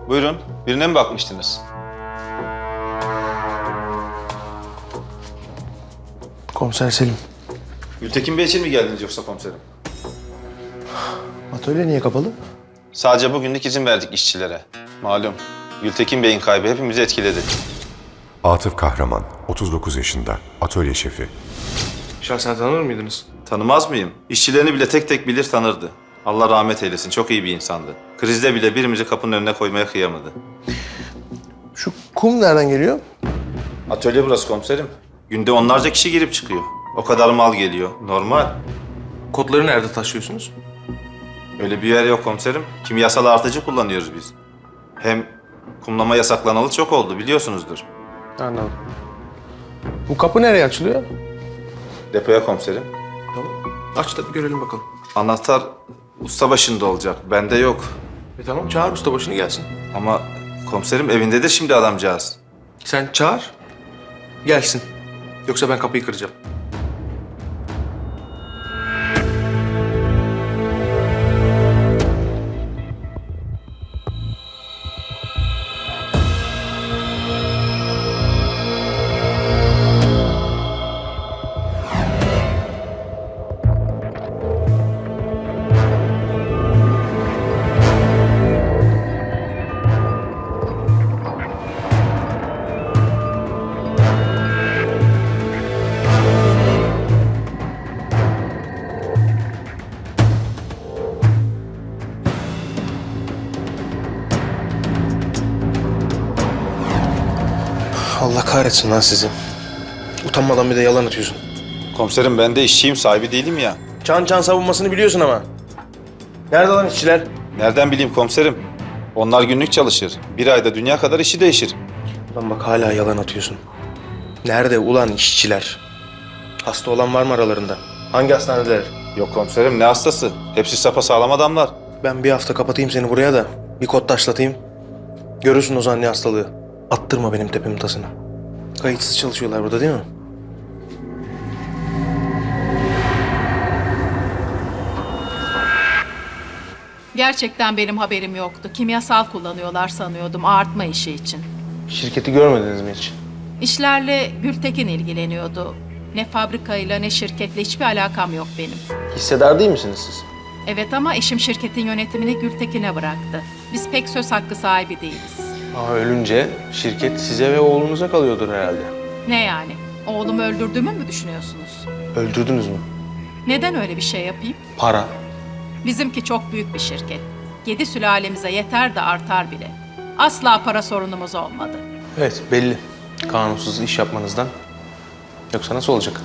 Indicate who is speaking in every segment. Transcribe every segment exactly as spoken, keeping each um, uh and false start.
Speaker 1: Buyurun, birine mi bakmıştınız?
Speaker 2: Komiser Selim.
Speaker 1: Gültekin Bey için mi geldiniz yoksa komiserim?
Speaker 2: Atölye niye kapalı?
Speaker 1: Sadece bugünlük izin verdik işçilere. Malum, Gültekin Bey'in kaybı hepimizi etkiledi.
Speaker 3: Atıf Kahraman, otuz dokuz yaşında, atölye şefi.
Speaker 2: Şahsen tanır mıydınız?
Speaker 1: Tanımaz mıyım? İşçilerini bile tek tek bilir tanırdı. Allah rahmet eylesin, çok iyi bir insandı. Krizde bile birimizi kapının önüne koymaya kıyamadı.
Speaker 2: Şu kum nereden geliyor?
Speaker 1: Atölye burası komiserim. Günde onlarca kişi girip çıkıyor. O kadar mal geliyor. Normal.
Speaker 2: Kodları nerede taşıyorsunuz?
Speaker 1: Öyle bir yer yok komiserim. Kimyasal artıcı kullanıyoruz biz. Hem kumlama yasaklanalı çok oldu biliyorsunuzdur.
Speaker 2: Anladım. Bu kapı nereye açılıyor?
Speaker 1: Depoya komiserim.
Speaker 2: Tamam. Aç da bir görelim bakalım.
Speaker 1: Anahtar usta başında olacak. Bende yok.
Speaker 2: E tamam, çağır ustabaşını gelsin.
Speaker 1: Ama komiserim evindedir şimdi adamcağız.
Speaker 2: Sen çağır, gelsin. Yoksa ben kapıyı kıracağım. Allah kahretsin lan sizi. Utanmadan bir de yalan atıyorsun.
Speaker 1: Komiserim ben de işçiyim, sahibi değilim ya.
Speaker 2: Çan çan savunmasını biliyorsun ama. Nerede lan işçiler?
Speaker 1: Nereden bileyim komiserim? Onlar günlük çalışır. Bir ayda dünya kadar işi değişir.
Speaker 2: Lan bak hala yalan atıyorsun. Nerede ulan işçiler? Hasta olan var mı aralarında? Hangi hastaneler?
Speaker 1: Yok komiserim, ne hastası? Hepsi sapasağlam adamlar.
Speaker 2: Ben bir hafta kapatayım seni buraya da bir kod taşlatayım. Görürsün o zaman ne hastalığı. Attırma benim tepemin tasını. Kayıtsız çalışıyorlar burada değil mi?
Speaker 4: Gerçekten benim haberim yoktu. Kimyasal kullanıyorlar sanıyordum artma işi için.
Speaker 2: Şirketi görmediniz mi hiç?
Speaker 4: İşlerle Gültekin ilgileniyordu. Ne fabrikayla ne şirketle hiçbir alakam yok benim.
Speaker 2: Hissedar değil misiniz siz?
Speaker 4: Evet ama eşim şirketin yönetimini Gültekin'e bıraktı. Biz pek söz hakkı sahibi değiliz.
Speaker 2: Aa, ölünce şirket size ve oğlunuza kalıyordur herhalde.
Speaker 4: Ne yani? Oğlumu öldürdüğümü mü düşünüyorsunuz?
Speaker 2: Öldürdünüz mü?
Speaker 4: Neden öyle bir şey yapayım?
Speaker 2: Para.
Speaker 4: Bizimki çok büyük bir şirket. Yedi sülalemize yeter de artar bile. Asla para sorunumuz olmadı.
Speaker 2: Evet belli. Kanunsuz iş yapmanızdan. Yoksa nasıl olacak?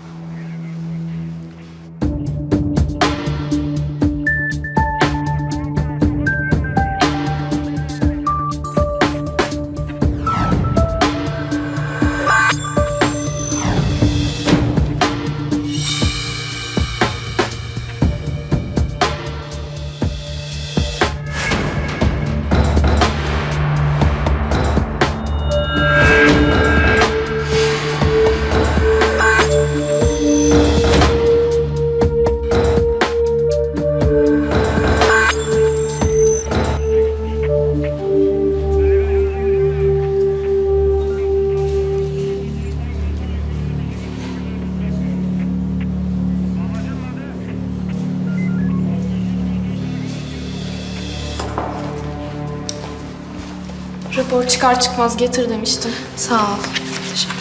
Speaker 5: Rapor çıkar çıkmaz getir demiştin. Sağ ol. Teşekkür.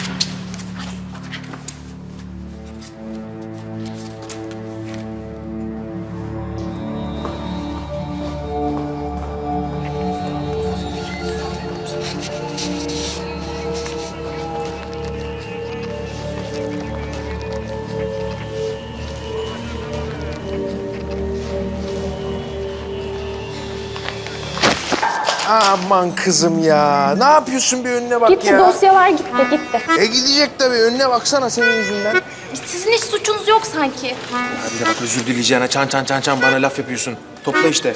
Speaker 2: Aman kızım ya. Ne yapıyorsun, bir önüne bak
Speaker 5: Gitti
Speaker 2: ya.
Speaker 5: dosyalar gitti gitti.
Speaker 2: E gidecek tabii. Önüne baksana senin yüzünden.
Speaker 5: Sizin hiç suçunuz yok sanki.
Speaker 2: Hadi de bak özür dileyeceğine çan çan çan çan bana laf yapıyorsun. Topla işte.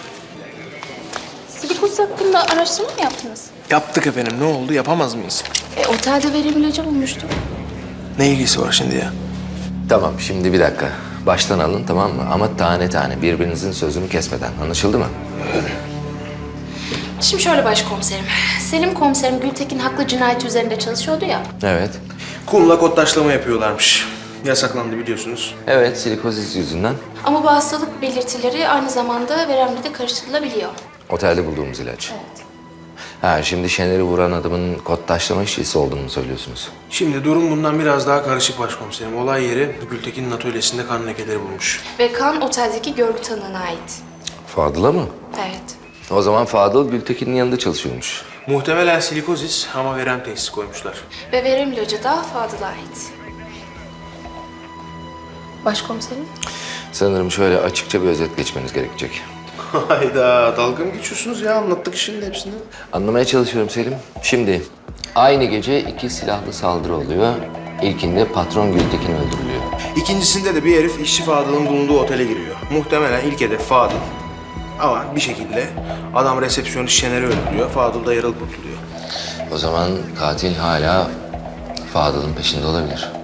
Speaker 5: Silikus hakkında araştırma mı yaptınız?
Speaker 2: Yaptık efendim. Ne oldu? Yapamaz mıyız?
Speaker 5: E, otelde verim ilacı bulmuştuk.
Speaker 2: Ne ilgisi var şimdi ya?
Speaker 6: Tamam, şimdi bir dakika. Baştan alın, tamam mı? Ama tane tane, birbirinizin sözünü kesmeden. Anlaşıldı mı?
Speaker 5: Şimdi şöyle başkomiserim. Selim komiserim Gültekin haklı cinayeti üzerinde çalışıyordu ya.
Speaker 6: Evet.
Speaker 2: Kumla kod taşlama yapıyorlarmış. Yasaklandı biliyorsunuz.
Speaker 6: Evet, silikozis yüzünden.
Speaker 5: Ama bu hastalık belirtileri aynı zamanda veremle de karıştırılabiliyor.
Speaker 6: Otelde bulduğumuz ilaç. Evet. Ha, şimdi Şener'i vuran adamın kod taşlama işçisi olduğunu mu söylüyorsunuz?
Speaker 2: Şimdi durum bundan biraz daha karışık başkomiserim. Olay yeri Gültekin'in atölyesinde kan lekeleri bulmuş.
Speaker 5: Ve kan oteldeki görgü tanığına ait.
Speaker 6: Fadıl'a mı?
Speaker 5: Evet.
Speaker 6: O zaman Fadıl Gültekin'in yanında çalışıyormuş.
Speaker 2: Muhtemelen silikozis ama verem teşhisi koymuşlar.
Speaker 5: Ve verem ilacı da Fadıl'a ait. Başkomiserim?
Speaker 6: Sanırım şöyle açıkça bir özet geçmeniz gerekecek.
Speaker 2: Hayda, dalga mı geçiyorsunuz ya? Anlattık işin hepsini.
Speaker 6: Anlamaya çalışıyorum Selim. Şimdi aynı gece iki silahlı saldırı oluyor. İlkinde patron Gültekin öldürülüyor.
Speaker 2: İkincisinde de bir herif işçi Fadıl'ın bulunduğu otele giriyor. Muhtemelen ilk hedef Fadıl. Ama bir şekilde adam resepsiyonist Şener'i öldürüyor. Fadıl da yaralı kurtuluyor.
Speaker 6: O zaman katil hala Fadıl'ın peşinde olabilir.